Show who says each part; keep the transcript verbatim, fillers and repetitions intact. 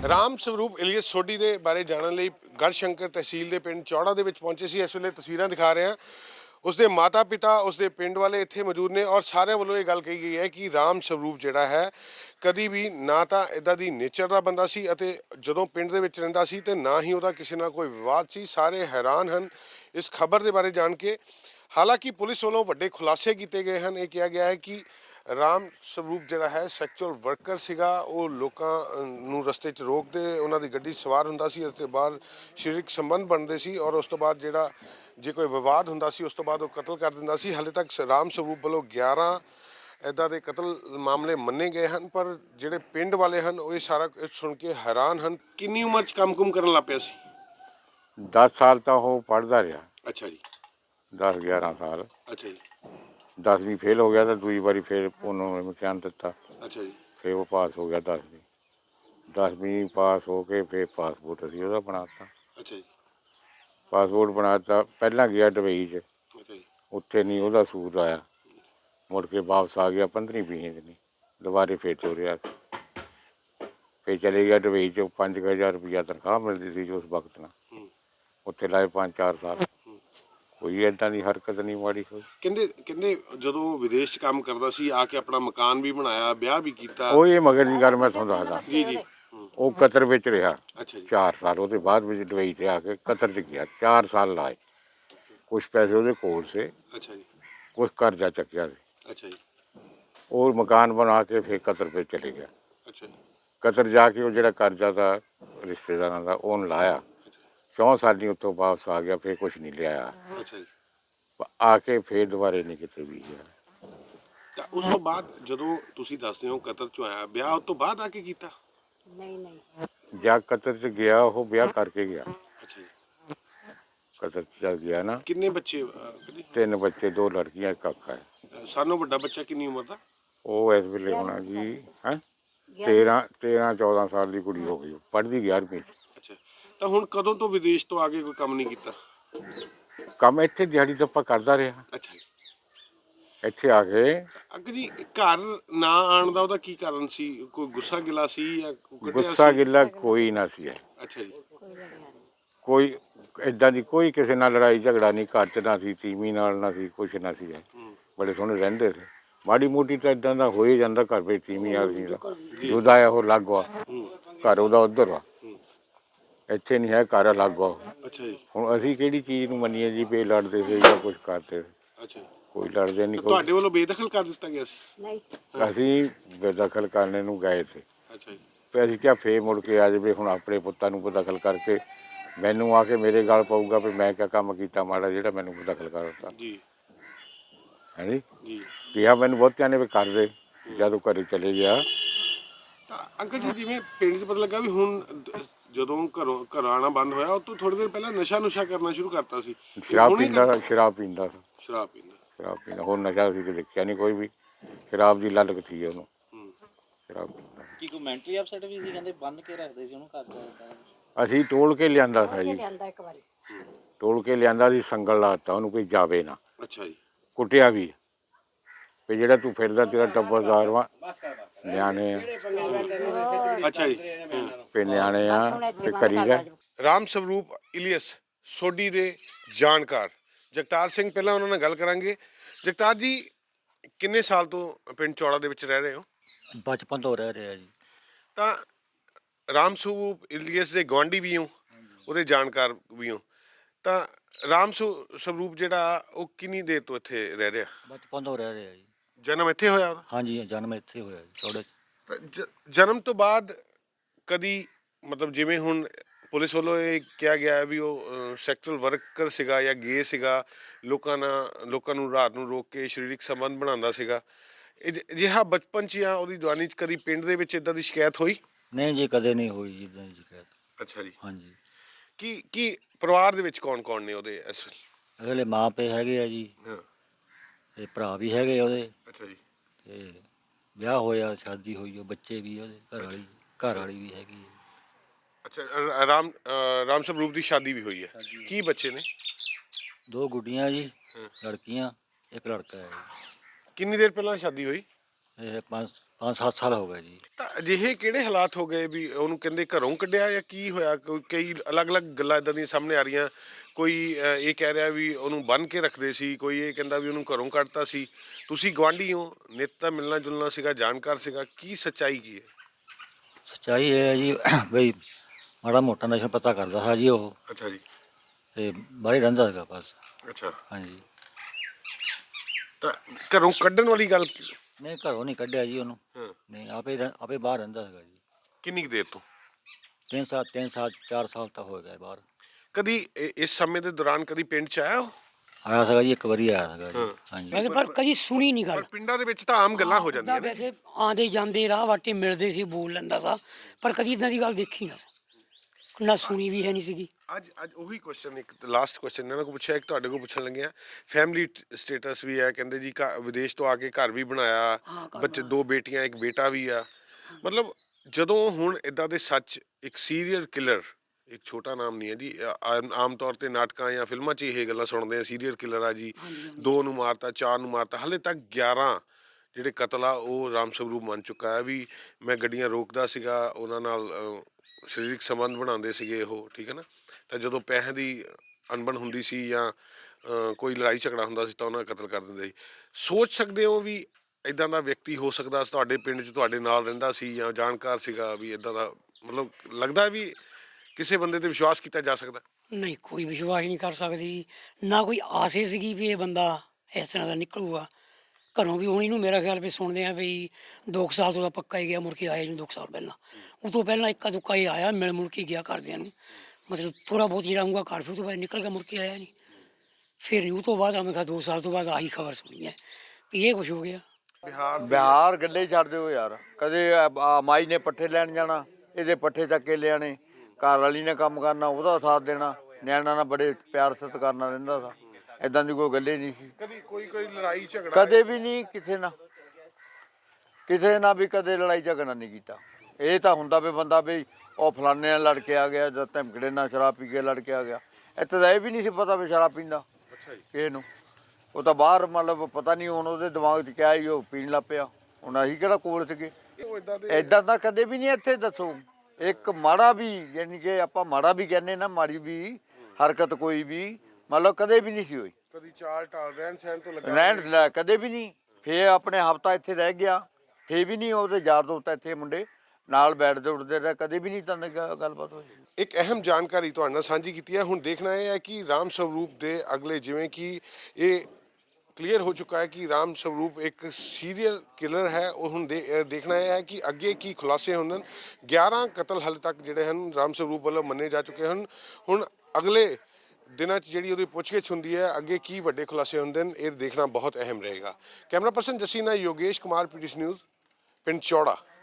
Speaker 1: ਰਾਮ ਸਵਰੂਪ Elias Sodhi ਦੇ ਬਾਰੇ ਜਾਣਨ ਲਈ ਗੜਸ਼ੰਕਰ ਤਹਿਸੀਲ ਦੇ ਪਿੰਡ ਚੌੜਾ ਦੇ ਵਿੱਚ ਪਹੁੰਚੇ ਸੀ। ਇਸ ਵੇਲੇ ਤਸਵੀਰਾਂ ਦਿਖਾ ਰਹੇ ਹਾਂ। ਉਸਦੇ ਮਾਤਾ ਪਿਤਾ ਉਸਦੇ ਪਿੰਡ ਵਾਲੇ ਇੱਥੇ ਮੌਜੂਦ ਨੇ ਔਰ ਸਾਰਿਆਂ ਵੱਲੋਂ ਇਹ ਗੱਲ ਕਹੀ ਗਈ ਹੈ ਕਿ ਰਾਮ ਸਵਰੂਪ ਜਿਹੜਾ ਹੈ ਕਦੀ ਵੀ ਨਾ ਤਾਂ ਇੱਦਾਂ ਦੀ ਨੇਚਰ ਦਾ ਬੰਦਾ ਸੀ ਅਤੇ ਜਦੋਂ ਪਿੰਡ ਦੇ ਵਿੱਚ ਰਹਿੰਦਾ ਸੀ ਤੇ ਨਾ ਹੀ ਉਹਦਾ ਕਿਸੇ ਨਾਲ ਕੋਈ ਵਿਵਾਦ ਸੀ। ਸਾਰੇ ਹੈਰਾਨ ਹਨ ਇਸ ਖਬਰ ਦੇ ਬਾਰੇ ਜਾਣ ਕੇ। ਹਾਲਾਂਕਿ ਪੁਲਿਸ ਵੱਲੋਂ ਵੱਡੇ ਖੁਲਾਸੇ ਕੀਤੇ ਗਏ ਹਨ। ਇਹ ਕਿਹਾ ਗਿਆ ਹੈ ਕਿ ਰਾਮ ਸਵਰੂਪ ਜਿਹੜਾ ਹੈ ਸੈਕਚੁਅਲ ਵਰਕਰ ਸੀਗਾ। ਉਹ ਲੋਕਾਂ ਨੂੰ ਰਸਤੇ 'ਚ ਰੋਕਦੇ, ਉਹਨਾਂ ਦੀ ਗੱਡੀ ਸਵਾਰ ਹੁੰਦਾ ਸੀ ਅਤੇ ਬਾਹਰ ਸਰੀਰਕ ਸੰਬੰਧ ਬਣਦੇ ਸੀ ਔਰ ਉਸ ਤੋਂ ਬਾਅਦ ਜਿਹੜਾ ਜੇ ਕੋਈ ਵਿਵਾਦ ਹੁੰਦਾ ਸੀ ਉਸ ਤੋਂ ਬਾਅਦ ਉਹ ਕਤਲ ਕਰ ਦਿੰਦਾ ਸੀ। ਹਾਲੇ ਤੱਕ ਰਾਮ ਸਵਰੂਪ ਵੱਲੋਂ ਗਿਆਰਾਂ ਇੱਦਾਂ ਦੇ ਕਤਲ ਮਾਮਲੇ ਮੰਨੇ ਗਏ ਹਨ, ਪਰ ਜਿਹੜੇ ਪਿੰਡ ਵਾਲੇ ਹਨ ਉਹ ਇਹ ਸਾਰਾ ਸੁਣ ਕੇ ਹੈਰਾਨ ਹਨ। ਕਿੰਨੀ ਉਮਰ 'ਚ ਕੰਮ ਕੁਮ ਕਰਨ ਲੱਗ ਪਿਆ ਸੀ?
Speaker 2: ਦਸ ਸਾਲ ਤਾਂ ਉਹ ਪੜ੍ਹਦਾ ਰਿਹਾ।
Speaker 1: ਅੱਛਾ ਜੀ।
Speaker 2: ਦਸ ਗਿਆਰਾਂ ਸਾਲ।
Speaker 1: ਅੱਛਾ ਜੀ।
Speaker 2: ਦਸਵੀਂ ਫੇਲ ਹੋ ਗਿਆ ਤਾਂ ਦੂਜੀ ਵਾਰੀ ਫਿਰ ਉਹਨੂੰ ਇਮਤਿਹਾਨ ਦਿੱਤਾ।
Speaker 1: ਅੱਛਾ ਜੀ।
Speaker 2: ਫਿਰ ਉਹ ਪਾਸ ਹੋ ਗਿਆ ਦਸਵੀਂ। ਦਸਵੀਂ ਪਾਸ ਹੋ ਕੇ ਫਿਰ ਪਾਸਪੋਰਟ ਅਸੀਂ ਉਹਦਾ ਬਣਾਤਾ।
Speaker 1: ਅੱਛਾ ਜੀ।
Speaker 2: ਪਾਸਪੋਰਟ ਬਣਾਤਾ। ਪਹਿਲਾਂ ਗਿਆ ਦੁਬਈ 'ਚ,
Speaker 1: ਅੱਛਾ ਜੀ।
Speaker 2: ਉੱਥੇ ਨਹੀਂ ਉਹਦਾ ਸੂਟ ਆਇਆ। ਮੁੜ ਕੇ ਵਾਪਸ ਆ ਗਿਆ ਪੰਦਰ੍ਹਾਂ ਵੀਹ ਦਿਨ। ਦੁਬਾਰੇ ਫਿਰ ਤੋਰਿਆ। ਫਿਰ ਚਲੇ ਗਿਆ ਦੁਬਈ 'ਚ। ਪੰਜ ਕੁ ਹਜ਼ਾਰ ਰੁਪਈਆ ਤਨਖਾਹ ਮਿਲਦੀ ਸੀ ਉਸ ਵਕਤ ਨਾਲ। ਉੱਥੇ ਲਾਏ ਪੰਜ ਚਾਰ ਸਾਲ। ਕੋਈ ਏਦਾਂ ਦੀ ਹਰਕਤ ਨਹੀਂ ਮਾੜੀ ਹੋਈ।
Speaker 1: ਕਹਿੰਦੇ ਕਹਿੰਦੇ ਜਦੋਂ ਵਿਦੇਸ਼ 'ਚ ਕੰਮ ਕਰਦਾ ਸੀ ਆ ਕੇ ਆਪਣਾ ਮਕਾਨ ਵੀ ਬਣਾਇਆ, ਵਿਆਹ ਵੀ ਕੀਤਾ।
Speaker 2: ਉਹ ਇਹ ਮਗਰ ਦੀ ਗੱਲ ਮੈਂ ਤੁਹਾਨੂੰ ਦੱਸਦਾ।
Speaker 1: ਜੀ ਜੀ।
Speaker 2: ਉਹ ਕਤਰ ਵਿੱਚ ਰਿਹਾ
Speaker 1: ਅੱਛਾ ਜੀ।
Speaker 2: ਚਾਰ ਸਾਲ। ਉਹਦੇ ਬਾਅਦ ਵਿੱਚ ਦੁਬਈ 'ਤੇ ਆ ਕੇ ਕਤਰ 'ਚ ਗਿਆ। ਚਾਰ ਸਾਲ ਲਾਏ। ਕੁਛ ਪੈਸੇ ਉਹਦੇ ਕੋਲ ਸੇ,
Speaker 1: ਅੱਛਾ ਜੀ।
Speaker 2: ਕੁਛ ਕਰਜ਼ਾ ਚੱਕਿਆ ਸੀ।
Speaker 1: ਅੱਛਾ ਜੀ।
Speaker 2: ਉਹ ਮਕਾਨ ਬਣਾ ਕੇ ਫਿਰ ਕਤਰ 'ਤੇ ਚਲੇ ਗਿਆ।
Speaker 1: ਅੱਛਾ ਜੀ।
Speaker 2: ਕਤਰ ਜਾ ਕੇ ਉਹ ਜਿਹੜਾ ਕਰਜ਼ਾ ਦਾ ਰਿਸ਼ਤੇਦਾਰਾਂ ਦਾ ਉਹਨੂੰ ਲਾਇਆ। ਚੌਂ ਸਾਲੀ ਉੱਥੋਂ ਵਾਪਸ ਆ ਗਿਆ। ਫਿਰ ਕੁਛ ਨਹੀਂ ਲਿਆਇਆ।
Speaker 1: ਅੱਛਾ ਜੀ।
Speaker 2: ਆ ਕੇ ਫਿਰ ਦੁਬਾਰੇ ਨਹੀਂ ਕਿਤੇ ਵੀ ਗਿਆ।
Speaker 1: ਤਾਂ ਉਸ ਤੋਂ ਬਾਅਦ ਜਦੋਂ ਤੁਸੀਂ ਦੱਸਦੇ ਹੋ ਕਤਰ 'ਚੋਂ ਆਇਆ, ਵਿਆਹ ਉਸ ਤੋਂ ਬਾਅਦ ਆ ਕੇ ਕੀਤਾ?
Speaker 3: ਨਹੀਂ ਨਹੀਂ
Speaker 2: ਜਾਂ ਕਤਰ 'ਚ ਗਿਆ ਉਹ ਵਿਆਹ ਕਰਕੇ ਗਿਆ।
Speaker 1: ਅੱਛਾ ਜੀ।
Speaker 2: ਕਤਰ 'ਚ ਚੱਲ ਗਿਆ ਨਾ।
Speaker 1: ਕਿੰਨੇ ਬੱਚੇ? ਅਹ,
Speaker 2: ਤਿੰਨ ਬੱਚੇ, ਦੋ ਲੜਕੀਆਂ, ਇੱਕ ਕਾਕਾ ਹੈ।
Speaker 1: ਅਹ, ਸਾਨੋਂ ਵੱਡਾ ਬੱਚਾ ਕਿੰਨੀ ਉਮਰ ਦਾ?
Speaker 2: ਉਹ ਇਸ ਵੇਲੇ ਹੋਣਾ ਜੀ ਹੈਂ ਤੇਰਾਂ ਤੇਰਾਂ ਚੌਦਾਂ ਸਾਲ ਦੀ ਕੁੜੀ ਹੋ ਗਈ। ਪੜ੍ਹਦੀ ਗਿਆਰਵੀਂ 'ਚ।
Speaker 1: ਅੱਛਾ। ਤਾਂ ਹੁਣ ਕਦੋਂ ਤੋਂ ਵਿਦੇਸ਼ ਤੋਂ ਆ ਕੇ ਕੋਈ ਕੰਮ ਨਹੀਂ ਕੀਤਾ?
Speaker 2: ਕੰਮ ਇੱਥੇ ਦਿਹਾੜੀ ਦੱਪਾ ਕਰਦਾ ਰਿਹਾ।
Speaker 1: ਅੱਛਾ ਜੀ।
Speaker 2: ਇੱਥੇ ਆ ਕੇ
Speaker 1: ਅੰਕਲ ਜੀ ਘਰ ਨਾ ਆਉਣ ਦਾ ਉਹਦਾ ਕੀ ਕਾਰਨ ਸੀ? ਕੋਈ ਗੁੱਸਾ ਗਿਲਾ ਸੀ ਜਾਂ ਕੋਈ ਕੱਢਿਆ
Speaker 2: ਗੁੱਸਾ
Speaker 1: ਸੀ?
Speaker 2: ਗਿੱਲਾ ਕੋਈ ਨਾ ਸੀ।
Speaker 1: ਅੱਛਾ ਜੀ।
Speaker 2: ਕੋਈ ਏਦਾਂ ਦੀ ਕੋਈ ਕਿਸੇ ਨਾਲ ਲੜਾਈ ਝਗੜਾ ਨਹੀਂ। ਘਰ 'ਚ ਨਾ ਸੀ, ਤੀਵੀਂ ਨਾਲ ਨਾ ਸੀ, ਕੁਛ ਨਾ ਸੀ। ਬੜੇ ਸੋਹਣੇ ਰਹਿੰਦੇ ਸੀ। ਮਾੜੀ ਮੋਟੀ ਤਾਂ ਇਦਾਂ ਦਾ ਹੋ ਹੀ ਜਾਂਦਾ ਘਰ ਵਿੱਚ। ਤੀਵੀਂ ਆ ਸੀ ਦਾ ਜੁਦਾ ਆ, ਉਹ ਅਲੱਗ ਵਾ। ਘਰ ਉਹਦਾ ਉੱਧਰ ਵਾ। ਇੱਥੇ ਨਹੀਂ ਹੈ, ਘਰ ਅਲੱਗ ਵਾ।
Speaker 1: ਅੱਛਾ ਜੀ।
Speaker 2: ਹੁਣ ਅਸੀਂ ਕਿਹੜੀ ਚੀਜ਼ ਨੂੰ ਮੰਨੀਏ ਜੀ ਵੀ ਲੜਦੇ ਸੀ ਜਾਂ ਕੁਛ ਕਰਦੇ?
Speaker 1: ਅੱਛਾ ਜੀ।
Speaker 2: ਕੋਈ ਲੜਦੇ ਨਹੀਂ।
Speaker 1: ਤਾਂ ਤੁਹਾਡੇ ਵੱਲੋਂ ਬੇਦਖਲ ਕਰ ਦਿੱਤਾ ਗਿਆ ਸੀ?
Speaker 3: ਨਹੀਂ
Speaker 2: ਅਸੀਂ ਬੇਦਖਲ ਕਰਨੇ ਨੂੰ ਗਏ ਸੀ।
Speaker 1: ਅੱਛਾ ਜੀ।
Speaker 2: ਫਿਰ ਅਸੀਂ ਕਿਹਾ ਫੇਰ ਮੁੜ ਕੇ ਆ ਜਾਵੇ। ਹੁਣ ਆਪਣੇ ਪੁੱਤਾਂ ਨੂੰ ਬੇਦਖਲ ਕਰਕੇ ਮੈਨੂੰ ਆ ਕੇ ਮੇਰੇ ਗਲ ਪਊਗਾ ਵੀ ਮੈਂ ਕਿਆ ਕੰਮ ਕੀਤਾ ਮਾੜਾ ਜਿਹੜਾ ਮੈਨੂੰ ਬੇਦਖਲ ਕਰ ਦਿੱਤਾ।
Speaker 1: ਜੀ
Speaker 2: ਹੈ ਜੀ।
Speaker 1: ਜੀ।
Speaker 2: ਕਿਹਾ ਮੈਨੂੰ ਬਹੁਤਿਆਂ ਨੇ ਵੀ ਕਰ ਦੇ। ਜਦੋਂ ਘਰੇ ਚਲੇ ਗਿਆ
Speaker 1: ਤਾਂ ਅੰਕਲ ਜੀ ਜਿਵੇਂ ਪਿੰਡ 'ਚ ਪਤਾ ਲੱਗਾ ਵੀ ਹੁਣ ਦ- ਜਦੋਂ ਘਰੋਂ ਘਰ ਆਉਣਾ ਬੰਦ ਹੋਇਆ ਉਹ ਤੋਂ ਥੋੜੀ ਦੇਰ ਪਹਿਲਾਂ ਨਸ਼ਾ ਨੁਸ਼ਾ ਕਰਨਾ ਸ਼ੁਰੂ ਕਰਤਾ ਸੀ। ਇਹ
Speaker 2: ਸ਼ਰਾਬ
Speaker 1: ਹੁਣੇ
Speaker 2: ਪੀਂਦਾ
Speaker 1: ਕਰ-
Speaker 2: ਸੀ। ਸ਼ਰਾਬ ਪੀਂਦਾ ਸੀ।
Speaker 1: ਸ਼ਰਾਬ ਪੀਂਦਾ।
Speaker 2: ਸ਼ਰਾਬ ਪੀਂਦਾ। ਹੋਰ ਨਸ਼ਾ ਸੀ ਕਿ ਦੇਖਿਆ ਨਹੀਂ ਕੋਈ ਵੀ। ਸ਼ਰਾਬ ਦੀ ਲਲਕ ਸੀ ਉਹਨੂੰ।
Speaker 1: ਹੂੰ।
Speaker 2: ਸ਼ਰਾਬ ਪੀਂਦਾ।
Speaker 4: ਕੀ ਕੋਈ ਮੈਂਟਲੀ ਅਪਸੈਟ ਵੀ ਸੀ? ਕਹਿੰਦੇ ਬੰਨ ਕੇ ਰੱਖਦੇ ਸੀ ਉਹਨੂੰ ਘਰ ਚ।
Speaker 2: ਅਸੀਂ ਟੋਲ ਕੇ ਲਿਆਂਦਾ ਸੀ ਜੀ।
Speaker 3: ਲਿਆਂਦਾ ਇੱਕ ਵਾਰੀ।
Speaker 2: ਟੋਲ ਕੇ ਲਿਆਂਦਾ ਸੀ। ਸੰਗਲ ਲਾਤਾ ਉਹਨੂੰ ਕੋਈ ਜਾਵੇ ਨਾ।
Speaker 1: ਅੱਛਾ ਜੀ।
Speaker 2: ਕੁੱਟਿਆ ਵੀ ਵੀ ਜਿਹੜਾ ਤੂੰ ਫਿਰਦਾ ਤੇਰਾ ਟੱਬਰਦਾਰ ਵਾ। ਨਿਆਣੇ ਆ
Speaker 1: ਅੱਛਾ ਜੀ।
Speaker 2: ਵੀ ਨਿਆਣੇ ਆ ਤੇ ਕਰੀਦਾ।
Speaker 1: ਰਾਮ ਸਵਰੂਪ ਇਲੀਅਸ ਸੋਢੀ ਦੇ ਜਾਣਕਾਰ ਜਗਤਾਰ ਸਿੰਘ, ਪਹਿਲਾਂ ਉਹਨਾਂ ਨਾਲ ਗੱਲ ਕਰਾਂਗੇ। ਜਗਤਾਰ ਜੀ ਕਿੰਨੇ ਸਾਲ ਤੋਂ ਪਿੰਡ ਚੌੜਾ ਦੇ ਵਿੱਚ ਰਹਿ ਰਹੇ ਹੋ?
Speaker 5: ਬਚਪਨ ਤੋਂ ਰਹਿ ਰਿਹਾ ਜੀ।
Speaker 1: ਤਾਂ ਰਾਮ ਸਵਰੂਪ ਇਲੀਅਸ ਦੇ ਗੁਆਂਢੀ ਵੀ ਹੋ, ਉਹਦੇ ਜਾਣਕਾਰ ਵੀ ਹੋ। ਤਾਂ ਰਾਮ ਸਵ- ਸਵਰੂਪ ਜਿਹੜਾ ਉਹ ਕਿੰਨੀ ਦੇਰ ਤੋਂ ਇੱਥੇ ਰਹਿ ਰਿਹਾ?
Speaker 5: ਬਚਪਨ ਤੋਂ ਰਹਿ ਰਿਹਾ ਜੀ।
Speaker 1: ਜਨਮ ਇੱਥੇ ਹੋਇਆ ਉਹਦਾ?
Speaker 5: ਹਾਂਜੀ, ਜਨਮ ਇੱਥੇ ਹੋਇਆ ਜੀ ਚੌੜੇ 'ਚ।
Speaker 1: ਤਾਂ ਜ- ਜਨਮ ਤੋਂ ਬਾਅਦ ਕਦੀ ਮਤਲਬ ਜਿਵੇਂ ਹੁਣ ਪੁਲਿਸ ਵੱਲੋਂ ਇਹ ਕਿਹਾ ਗਿਆ ਹੈ ਵੀ ਉਹ ਸੈਕਟਰਲ ਵਰਕਰ ਸੀਗਾ ਜਾਂ ਗੇ ਸੀਗਾ, ਲੋਕਾਂ ਨਾਲ ਲੋਕਾਂ ਨੂੰ ਰਾਤ ਨੂੰ ਰੋਕ ਕੇ ਸਰੀਰਕ ਸੰਬੰਧ ਬਣਾਉਂਦਾ ਸੀਗਾ, ਇਹ ਅਜਿਹਾ ਬਚਪਨ 'ਚ ਜਾਂ ਉਹਦੀ ਜਵਾਨੀ 'ਚ ਕਦੀ ਪਿੰਡ ਦੇ ਵਿੱਚ ਇਦਾਂ ਦੀ ਸ਼ਿਕਾਇਤ ਹੋਈ?
Speaker 5: ਨਹੀਂ ਜੀ, ਕਦੇ ਨਹੀਂ ਹੋਈ ਜੀ ਇੱਦਾਂ ਦੀ ਸ਼ਿਕਾਇਤ।
Speaker 1: ਅੱਛਾ ਜੀ।
Speaker 5: ਹਾਂਜੀ।
Speaker 1: ਕੀ ਕੀ ਪਰਿਵਾਰ ਦੇ ਵਿੱਚ ਕੌਣ ਕੌਣ ਨੇ ਉਹਦੇ ਇਸ ਵੇਲੇ?
Speaker 5: ਅਗਲੇ ਮਾਂ ਪਿਓ ਹੈਗੇ ਆ ਜੀ।
Speaker 1: ਹਾਂ।
Speaker 5: ਤੇ ਭਰਾ ਵੀ ਹੈਗੇ ਉਹਦੇ।
Speaker 1: ਅੱਛਾ ਜੀ।
Speaker 5: ਤੇ ਵਿਆਹ ਹੋਇਆ, ਸ਼ਾਦੀ ਹੋਈ, ਉਹ ਬੱਚੇ ਵੀ ਉਹਦੇ। ਘਰ ਵਾਲੀ ਘਰ ਵਾਲੀ ਵੀ ਹੈਗੀ ਹੈ।
Speaker 1: ਅੱਛਾ। ਰ- ਰਾਮ ਅ, ਰਾਮ ਸਵਰੂਪ ਦੀ ਸ਼ਾਦੀ ਵੀ ਹੋਈ ਹੈ। ਕੀ ਬੱਚੇ ਨੇ?
Speaker 5: ਦੋ ਗੁੱਡੀਆਂ ਜੀ,
Speaker 1: ਹਾਂ।
Speaker 5: ਲੜਕੀਆਂ, ਇੱਕ ਲੜਕਾ ਹੈ ਜੀ।
Speaker 1: ਕਿੰਨੀ ਦੇਰ ਪਹਿਲਾਂ ਸ਼ਾਦੀ ਹੋਈ?
Speaker 5: ਇਹ ਪੰਜ ਪੰਜ ਸੱਤ ਸਾਲ ਹੋ ਗਏ ਜੀ।
Speaker 1: ਤਾਂ ਅਜਿਹੇ ਕਿਹੜੇ ਹਾਲਾਤ ਹੋ ਗਏ ਵੀ ਉਹਨੂੰ ਕਹਿੰਦੇ ਘਰੋਂ ਕੱਢਿਆ ਜਾਂ ਕੀ ਹੋਇਆ? ਕੋਈ ਕਈ ਅਲੱਗ-ਅਲੱਗ ਗੱਲਾਂ ਇਦਾਂ ਦੀਆਂ ਸਾਹਮਣੇ ਆ ਰਹੀਆਂ। ਕੋਈ ਅ, ਇਹ ਕਹਿ ਰਿਹਾ ਵੀ ਉਹਨੂੰ ਬੰਨ੍ਹ ਕੇ ਰੱਖਦੇ ਸੀ, ਕੋਈ ਇਹ ਕਹਿੰਦਾ ਵੀ ਉਹਨੂੰ ਘਰੋਂ ਕੱਢਤਾ ਸੀ। ਤੁਸੀਂ ਗੁਆਂਢੀ ਹੋ, ਨਿੱਤ ਤਾਂ ਮਿਲਣਾ ਜੁਲਣਾ ਸੀਗਾ, ਜਾਣਕਾਰ ਸੀਗਾ, ਕੀ ਸੱਚਾਈ ਕੀ ਹੈ?
Speaker 5: ਸੱਚਾਈ ਇਹ ਹੈ ਜੀ ਬਈ ਮਾੜਾ ਮੋਟਾ ਨਸ਼ਾ ਪਤਾ ਕਰਦਾ ਸੀ ਜੀ ਉਹ,
Speaker 1: ਅੱਛਾ ਜੀ।
Speaker 5: ਤੇ ਬਾਹਰ ਰਹਿੰਦਾ ਸੀਗਾ ਬਸ।
Speaker 1: ਅੱਛਾ,
Speaker 5: ਹਾਂਜੀ।
Speaker 1: ਤਾਂ ਘਰੋਂ ਕੱਢਣ ਵਾਲੀ ਗੱਲ ਕੀ-
Speaker 5: ਨਹੀਂ ਘਰੋਂ ਨਹੀਂ ਕੱਢਿਆ ਜੀ ਉਹਨੂੰ।
Speaker 1: ਹਾਂ,
Speaker 5: ਨਹੀਂ ਆਪੇ ਰਹਿ- ਆਪੇ ਬਾਹਰ ਰਹਿੰਦਾ ਸੀਗਾ ਜੀ।
Speaker 1: ਕਿੰਨੀ ਕੁ ਦੇਰ ਤੋਂ?
Speaker 5: ਤਿੰਨ ਸਾਲ ਤਿੰਨ ਸਾਲ ਚਾਰ ਸਾਲ ਤਾਂ ਹੋ ਗਏ ਬਾਹਰ।
Speaker 1: ਕਦੀ ਇ- ਇਸ ਸਮੇਂ ਦੇ ਦੌਰਾਨ ਕਦੀ ਪਿੰਡ ਚ ਆਇਆ ਉਹ?
Speaker 5: ਆਇਆ ਸੀਗਾ ਜੀ, ਇੱਕ ਵਾਰੀ ਆਇਆ ਸੀਗਾ ਜੀ।
Speaker 1: ਹਾਂ।
Speaker 5: ਹਾਂਜੀ।
Speaker 6: ਵੈਸੇ ਪਰ ਕਦੀ ਸੁਣੀ ਨਹੀਂ
Speaker 1: ਪਰ
Speaker 6: ਗੱਲ।
Speaker 1: ਪਿੰਡਾਂ ਦੇ ਵਿੱਚ ਤਾਂ ਆਮ ਗੱਲਾਂ ਹੋ ਜਾਂਦੀਆਂ ਨੇ।
Speaker 6: ਵੈਸੇ ਆਂਦੇ ਜਾਂਦੇ ਰਾਹ ਵਾਟੇ ਮਿਲਦੇ ਸੀ, ਬੋਲ ਲੈਂਦਾ ਸਾ, ਪਰ ਕਦੀ ਇਦਾਂ ਦੀ ਗੱਲ ਦੇਖੀ ਨਾ ਸੀ, ਨਾ ਸੁਣੀ ਵੀ ਹੈ ਨਹੀਂ ਸੀਗੀ।
Speaker 1: ਅੱਜ ਅੱਜ ਉਹੀ ਕੁਐਸਚਨ, ਇੱਕ ਲਾਸਟ ਕੁਐਸਚਨ ਇਹਨਾਂ ਕੋਲ ਪੁੱਛਿਆ, ਇੱਕ ਤੁਹਾਡੇ ਕੋਲ ਪੁੱਛਣ ਲੱਗਿਆ। ਫੈਮਿਲੀ ਸਟੇਟਸ ਵੀ ਹੈ, ਕਹਿੰਦੇ ਜੀ ਘਰ- ਵਿਦੇਸ਼ ਤੋਂ ਆ ਕੇ ਘਰ ਵੀ ਬਣਾਇਆ, ਬੱਚੇ ਦੋ ਬੇਟੀਆਂ ਇੱਕ ਬੇਟਾ ਵੀ ਆ। ਮਤਲਬ ਜਦੋਂ ਹੁਣ ਇਦਾਂ ਦੇ ਸੱਚ, ਇੱਕ ਸੀਰੀਅਲ ਕਿਲਰ, ਇੱਕ ਛੋਟਾ ਨਾਮ ਨਹੀਂ ਹੈ ਜੀ, ਆ- ਆਮ ਆਮ ਤੌਰ ਤੇ ਨਾਟਕਾਂ ਜਾਂ ਫਿਲਮਾਂ 'ਚ ਇਹ ਗੱਲਾਂ ਸੁਣਦੇ ਆ, ਸੀਰੀਅਲ ਕਿਲਰ ਆ ਜੀ, ਦੋ ਨੂੰ ਮਾਰਤਾ, ਚਾਰ ਨੂੰ ਮਾਰਤਾ। ਹਾਲੇ ਤੱਕ ਗਿਆਰਾਂ ਜਿਹੜੇ ਕਤਲ ਆ ਉਹ ਰਾਮ ਸਵਰੂਪ ਮੰਨ ਚੁੱਕਾ ਹੈ ਵੀ ਮੈਂ ਗੱਡੀਆਂ ਰੋਕਦਾ ਸੀਗਾ, ਉਹਨਾਂ ਨਾਲ ਅ, ਸਰੀਰਕ ਸੰਬੰਧ ਬਣਾਉਂਦੇ ਸੀਗੇ ਉਹ, ਠੀਕ ਹੈ ਨਾ। ਤਾਂ ਜਦੋਂ ਪੈਸੇ ਦੀ ਅਣਬਣ ਹੁੰਦੀ ਸੀ ਜਾਂ ਅ, ਕੋਈ ਲੜਾਈ ਝਗੜਾ ਹੁੰਦਾ ਸੀ ਤਾਂ ਉਹਨਾਂ ਦਾ ਕਤਲ ਕਰ ਦਿੰਦੇ ਸੀ। ਸੋਚ ਸਕਦੇ ਹੋ ਵੀ ਇਦਾਂ ਦਾ ਵਿਅਕਤੀ ਹੋ ਸਕਦਾ ਤੁਹਾਡੇ ਪਿੰਡ 'ਚ, ਤੁਹਾਡੇ ਨਾਲ ਰਹਿੰਦਾ ਸੀ ਜਾਂ ਜਾਣਕਾਰ ਸੀਗਾ ਵੀ ਇਦਾਂ ਦਾ? ਮਤਲਬ ਲੱਗਦਾ ਵੀ ਕਿਸੇ ਬੰਦੇ ਤੇ ਵਿਸ਼ਵਾਸ ਕੀਤਾ ਜਾ ਸਕਦਾ?
Speaker 6: ਨਹੀਂ, ਕੋਈ ਵਿਸ਼ਵਾਸ ਨਹੀਂ ਕਰ ਸਕਦੀ, ਨਾ ਕੋਈ ਆਸੇ ਸੀਗੀ ਵੀ ਇਹ ਬੰਦਾ ਇਸ ਤਰ੍ਹਾਂ ਦਾ ਨਿਕਲੂਗਾ ਘਰੋਂ ਵੀ। ਹੁਣ ਇਹਨੂੰ ਮੇਰਾ ਖਿਆਲ ਵੀ ਸੁਣਦੇ ਆ ਵੀ ਦੋ ਕੁ ਸਾਲ ਤੋਂ ਤਾਂ ਪੱਕਾ ਹੀ ਗਿਆ, ਮੁੜ ਕੇ ਆਇਆ ਜੀ ਦੋ ਕੁ ਸਾਲ ਪਹਿਲਾਂ। ਉਹ ਤੋਂ ਪਹਿਲਾਂ ਇੱਕਾ ਦੁੱਕਾ ਹੀ ਆਇਆ, ਮਿਲ ਮੁਲ ਕੇ ਗਿਆ ਘਰਦਿਆਂ ਨੂੰ, ਮਤਲਬ ਥੋੜ੍ਹਾ ਬਹੁਤ ਜਿਹੜਾ ਹੋਊਗਾ ਘਰ, ਫਿਰ ਉਹ ਤੋਂ ਬਾਅਦ ਨਿਕਲ ਕੇ ਮੁੜ ਕੇ ਆਇਆ ਨਹੀਂ। ਫਿਰ ਨਹੀਂ ਉਹ ਤੋਂ ਬਾਅਦ ਮੈਂ ਕਿਹਾ ਦੋ ਸਾਲ ਤੋਂ ਬਾਅਦ ਆਹੀ ਖਬਰ ਸੁਣੀ ਹੈ ਵੀ ਇਹ ਕੁਛ ਹੋ ਗਿਆ।
Speaker 1: ਬਿਹਾਰ
Speaker 2: ਬਿਹਾਰ ਗੱਲੇ ਹੀ ਛੱਡ ਦਿਓ ਯਾਰ। ਕਦੇ ਆ- ਆ ਮਾਈ ਨੇ ਪੱਠੇ ਲੈਣ ਜਾਣਾ, ਇਹਦੇ ਪੱਠੇ ਚੱਕ ਕੇ ਲਿਆਣੇ, ਘਰ ਵਾਲੀ ਨੇ ਕੰਮ ਕਰਨਾ, ਉਹਦਾ ਸਾਥ ਦੇਣਾ, ਨਿਆਣਾ ਨਾਲ ਬੜੇ ਪਿਆਰ ਸਤਿਕਾਰ ਨਾਲ ਰਹਿੰਦਾ ਸੀ। ਇਦਾਂ ਦੀ ਕੋਈ ਗੱਲ ਹੀ ਨਹੀਂ ਸੀ
Speaker 1: ਕਦੀ ਕੋਈ ਕੋਈ ਲੜਾਈ ਝਗੜਾ?
Speaker 2: ਕਦੇ ਵੀ ਨਹੀਂ ਕਿਸੇ ਨਾਲ, ਕਿਸੇ ਨਾਲ ਵੀ ਕਦੇ ਲੜਾਈ ਝਗੜਾ ਨਹੀਂ ਕੀਤਾ। ਇਹ ਤਾਂ ਹੁੰਦਾ ਵੀ ਬੰਦਾ ਵੀ ਉਹ ਫਲਾਣੇ ਨਾਲ ਲੜ ਕੇ ਆ ਗਿਆ, ਜਾਂ ਧਮਕੜੇ ਨਾਲ ਸ਼ਰਾਬ ਪੀ ਕੇ ਲੜ ਕੇ ਆ ਗਿਆ। ਇੱਥੇ ਤਾਂ ਇਹ ਵੀ ਨਹੀਂ ਸੀ ਪਤਾ ਵੀ ਸ਼ਰਾਬ ਪੀਂਦਾ
Speaker 1: ਅੱਛਾ ਜੀ।
Speaker 2: ਕਿਸੇ ਨੂੰ। ਉਹ ਤਾਂ ਬਾਹਰ ਮਤਲਬ ਪਤਾ ਨਹੀਂ ਹੁਣ ਉਹਦੇ ਦਿਮਾਗ 'ਚ ਕਿਆ ਹੀ ਉਹ ਪੀਣ ਲੱਗ ਪਿਆ। ਹੁਣ ਅਸੀਂ ਕਿਹੜਾ ਕੋਲ ਸੀਗੇ।
Speaker 1: ਉਹ ਇਦਾਂ ਦੇ
Speaker 2: ਐਦਾਂ ਤਾਂ ਕਦੇ ਵੀ ਨਹੀਂ ਇੱਥੇ ਦੱਸੋ। ਇੱਕ ਮਾੜਾ ਵੀ, ਯਾਨੀ ਕਿ ਆਪਾਂ ਮਾੜਾ ਵੀ ਕਹਿੰਦੇ ਨਾ, ਮਾੜੀ ਵੀ ਹਰਕਤ ਕੋਈ ਵੀ ਮਤਲਬ ਕਦੇ ਵੀ ਨਹੀਂ ਸੀ ਹੋਈ।
Speaker 1: ਕਦੀ ਚਾਲ ਟਾਲ ਰਹਿਣ ਸਹਿਣ ਤੋਂ ਲੱਗਾ?
Speaker 2: ਰਹਿਣ ਲੈ ਕਦੇ ਵੀ ਨਹੀਂ। ਫੇਰ ਆਪਣੇ ਹਫ਼ਤਾ ਇੱਥੇ ਰਹਿ ਗਿਆ, ਫੇਰ ਵੀ ਨਹੀਂ ਉਹਦੇ ਯਾਰ ਦੋਸਤ ਇੱਥੇ ਮੁੰਡੇ ਨਾਲ ਬੈਠਦੇ ਉੱਠਦੇ ਰਹੇ, ਕਦੇ ਵੀ ਨਹੀਂ ਤਾਂ ਗੱਲਬਾਤ ਹੋਈ।
Speaker 1: ਇੱਕ ਅਹਿਮ ਜਾਣਕਾਰੀ ਤੁਹਾਡੇ ਨਾਲ ਸਾਂਝੀ ਕੀਤੀ ਹੈ। ਹੁਣ ਦੇਖਣਾ ਇਹ ਹੈ ਕਿ ਰਾਮ ਸਵਰੂਪ ਦੇ ਅਗਲੇ, ਜਿਵੇਂ ਕਿ ਇਹ ਕਲੀਅਰ ਹੋ ਚੁੱਕਾ ਹੈ ਕਿ ਰਾਮ ਸਵਰੂਪ ਇੱਕ ਸੀਰੀਅਲ ਕਿਲਰ ਹੈ, ਉਹ ਹੁਣ ਦੇ- ਅ, ਦੇਖਣਾ ਇਹ ਹੈ ਕਿ ਅੱਗੇ ਕੀ ਖੁਲਾਸੇ ਹੁੰਦੇ ਹਨ। ਗਿਆਰਾਂ ਕਤਲ ਹਾਲੇ ਤੱਕ ਜਿਹੜੇ ਹਨ ਰਾਮ ਸਵਰੂਪ ਵੱਲੋਂ ਮੰਨੇ ਜਾ ਚੁੱਕੇ ਹਨ। ਹੁਣ ਅਗਲੇ ਦਿਨਾਂ 'ਚ ਜਿਹੜੀ ਉਹਦੀ ਪੁੱਛਗਿੱਛ ਹੁੰਦੀ ਹੈ, ਅੱਗੇ ਕੀ ਵੱਡੇ ਖੁਲਾਸੇ ਹੁੰਦੇ ਹਨ, ਇਹ ਦੇਖਣਾ ਬਹੁਤ ਅਹਿਮ ਰਹੇਗਾ। ਕੈਮਰਾ ਪਰਸਨ ਜੱਸੀ ਨਾਲ ਯੋਗੇਸ਼ ਕੁਮਾਰ, ਪੀਟੀਸੀ ਨਿਊਜ਼, ਪਿੰਡ ਚੌੜਾ।